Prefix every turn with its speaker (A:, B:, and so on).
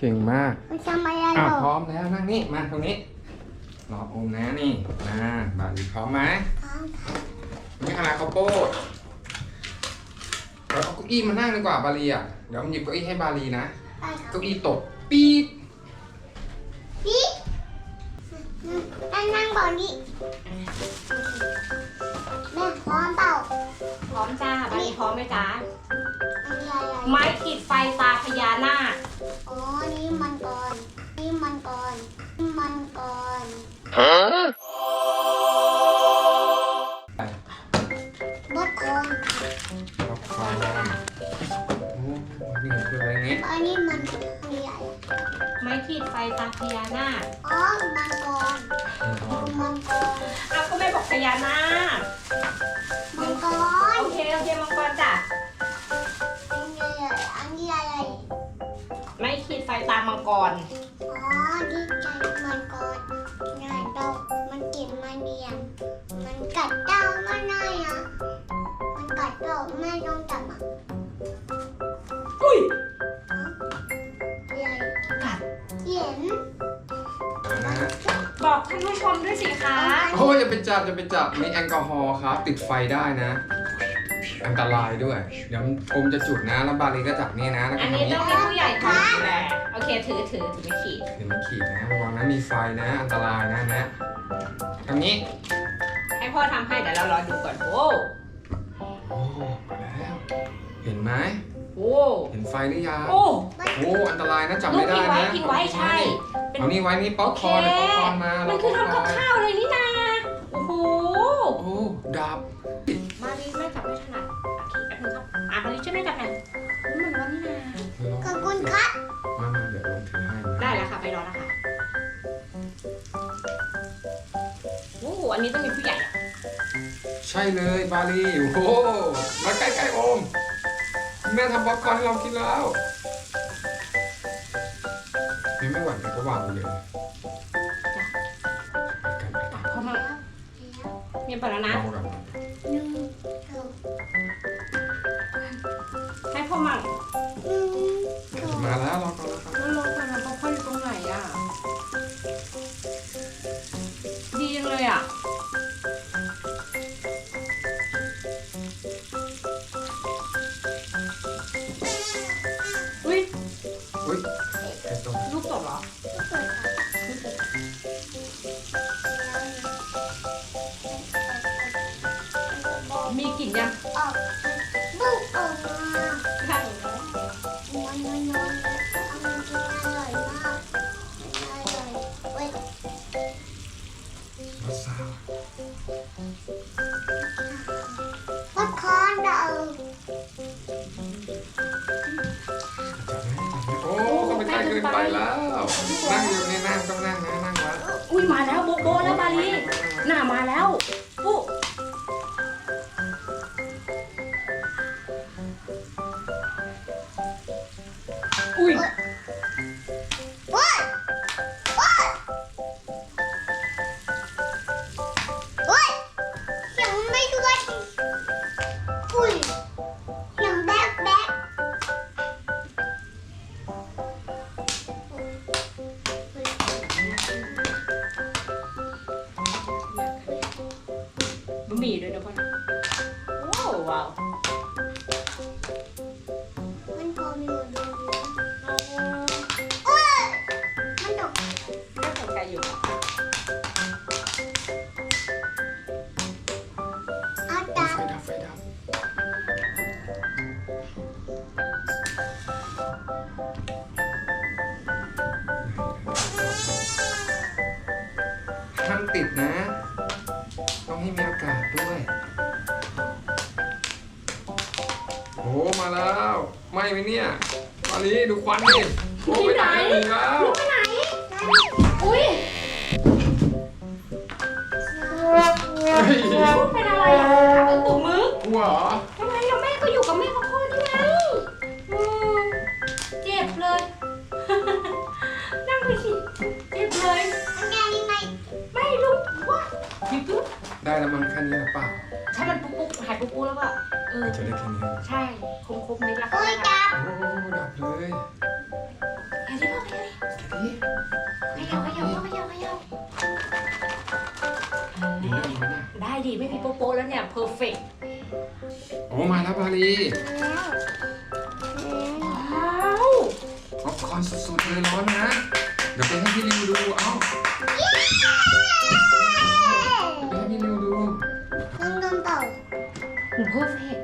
A: เก่งมาก
B: มันทำอะไรหรอ
A: พร้อมแล้วนั่งนี่มาตรงนี้รอโอมนะนี่มาบาลีพร้อมไหมนี่อะไรข้าวโพดเราเอาเก้าอี้มานั่งดีกว่าบาลีอ่ะเดี๋ยวผมหยิบเก้าอี้ให้บาลีนะเก้าอี้ตกปี๊บ
B: พี่นั่งก่อนดิแม่พร้อมเปล่า
C: พร้อมจ้าบาลีพร้อมไหมจ๊ะ
B: อันนี้อะไร
C: ไม้ขีดไฟตาพญานาค
B: อ๋อนี่มันก่อนนี่มันก่อนนี่มันก่อนบดคอน
A: ป๊อปคอร์นโอ้นี่คืออะไรเงี้ย
B: อันนี้มันมีอะไร
C: ไม้ขีดไฟตาพญานาค
B: อ๋อมันก่อนมันก่อน
C: อ้าวก็แม่บอกพญานาค
B: มันก่อน
C: โอเคมังกรจ้ะ
B: อันนี้อะไร
C: ไม้ขีดไฟตามังกร
B: อ๋อที่ใจมันก่อนงานดอกมันกินมันเนียนมันกัดเจ้าไม่ได้อะมันกัดเราไม่ต้องจับอ่ะ
C: อุ้ย
B: ใหญ่
C: กัด
B: เห็น
A: นะ
C: บอกท่านผู้ชมด้วยสิคะ
A: โอ้ยอย่าไปจับมีแอลกอฮอล์ครับติดไฟได้นะ อันตรายด้วยเดี๋ยวโอมจะจุดนะแล้วบาลีก็จับนี่นะแล้วก็
C: อัน
A: ทำ
C: นี้
A: นี้
C: ต้องให้ผู้ใหญ่ทำดูแลโอเคถือไม่ขีด
A: เห็นมันขีดนะระวังนะมีไฟนะอันตรายนะทำนี้
C: ให้พ่อทำให้เดี๋ยวเรารอดูก่อนโอ้
A: โอ้มาแล้วเห็นไหม
C: โอ้
A: เห็นไฟหรือยัง
C: โอ้
A: โอ้อันตรายนะจับ
C: ลู
A: ไม่
C: ก
A: ได้
C: ทิ้งไว้
A: นะ
C: ใช่เป็น
A: เอานี่ไว้นี่ป๊อปคอร์นป๊อปคอร์นมา
C: มันคือทำกับข้าวเลยนี่นาโอ้โห
A: โอ้ดับ
C: มารีแม่จับไม่ถนัดโอเคแป๊บนึงครับมารีช่วยแม่จับหน่อยมันร้อนนี่นา
B: ขอบคุณครับ
A: มาเดี๋ยวลองถือให้นะ
C: ได้แล้วค่ะไปรอแล้วค่ะโอ้โหอันนี้ต้องมีผู้ใหญ่อะ
A: ใช่เลยบาลีโอ้โหมาใกล้ๆโอมแม่ทำป๊อปคอร์นให้เรากินแล้วนี่ไม่หวั่นเลยก็วางไปเลยไปกัน
C: เข้ามาเมียนไปแล้วนะ
A: ลองกัน
B: หนึ่งสอง
C: ให้พ่อมั่ง
B: สอง
A: มาแล้วรอก่อนแล้วครับ
C: แล้วลงไปมันพ่ออยู่ตรงไหนอ่ะดีจังเลยอ่ะอุ้ย
A: อุ้ยไอ้ตรง
C: ลูกตกเหรอมีกลิ่นยัง
B: ออกลูกออกมา
C: ใช่
B: นวลเอามันกินอร่อยมากอร่อยเว้ย
A: มาซาว
B: บดคอนเรา
A: โอ้เข้าไปใกล้เกินไปแล้วนั่งอยู่นี่นั่งต้องนั่งนะนั่งไว้
C: อุ้ยมาแล้วโบโบแล้วบาลีหน้ามาแล้วปุ๊อุ้ย
B: เว้ยเว้ยเว้ยยังไม่ด้วยอุ้ยยังแบก
C: บะหมี่ด้วยนะพ่อนะโอ้ว้าว
B: มันพอมีอยู่ดูโอ้ยมันตก
C: น่าสนใจอยู่
B: เอา
A: ไฟ
B: ตา
A: ดับห้ามติดนะ ต้องให้มีอากาศด้วย โอ้มาแล้วไหม่ไหมเนี่ยมาลีดูควันดิโอ้ไปไหนแล้ว
C: ไปไหนอุ้ย
A: เฮ้ย
C: พูดเป็นอะไรอ่ะเป็นตุ่มมึก
A: กลัวเหรอ
C: ทำไมเราแม่ก็อยู่กับแม่กับพ่อนี่ไงอืมเจ็บเลย นั่งไปสิเจ็บเลย
B: อันนี้ยังไง
C: ไม่รู้ว่าหยิบปุ๊บ
A: ได้แล้วมันแค่นี้หรือเปล่า
C: ถ้ามันปุ๊บหายปุ๊บแล้วก็
A: จะได้แค่นี้
C: ใช่ครบเม็ดละ
B: โอ้ยจับ
A: โอ้ดับเลย
C: เห็นที่พ่อพยาดิไม่มีโป๊ะๆแล้วเนี่ยเพอร์เฟกต์
A: โอ้มาแล้วบาลี
B: แล้ว
C: ว้าว
A: ป๊อปคอร์นสุดๆเลยร้อนนะ เดี๋ยวไปให้พี่ริวดู เอ้าเดี๋ยวไปให้พี่ริวดู
B: น้องโดนเป่า
C: หูเพอร์เฟกต์